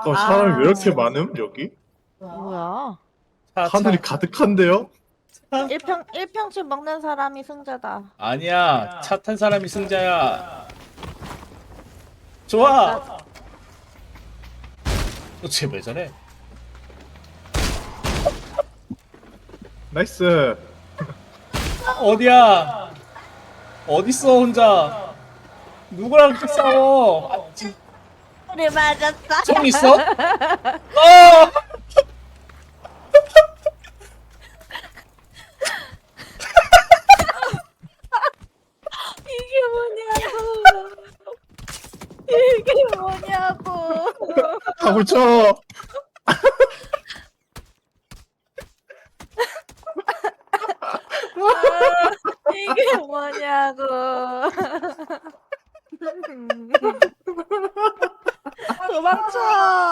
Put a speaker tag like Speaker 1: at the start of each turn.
Speaker 1: 사람이 왜 이렇게 많음 여기?
Speaker 2: 뭐야?
Speaker 1: 하늘이 가득한데요?
Speaker 2: 일평집 먹는 사람이 승자다.
Speaker 3: 아니야. 차 탄 사람이 승자야. 좋아. 쟤 왜 저래?
Speaker 1: 나이스.
Speaker 3: 어디야? 어딨어 혼자? 누구랑 이렇게 싸워?
Speaker 2: 우리 맞았어.
Speaker 3: 총 있어? 어!
Speaker 2: 이게 뭐냐고. 이게 뭐냐고.
Speaker 1: 다 붙여.
Speaker 2: 이게 뭐냐고. 도망쳐.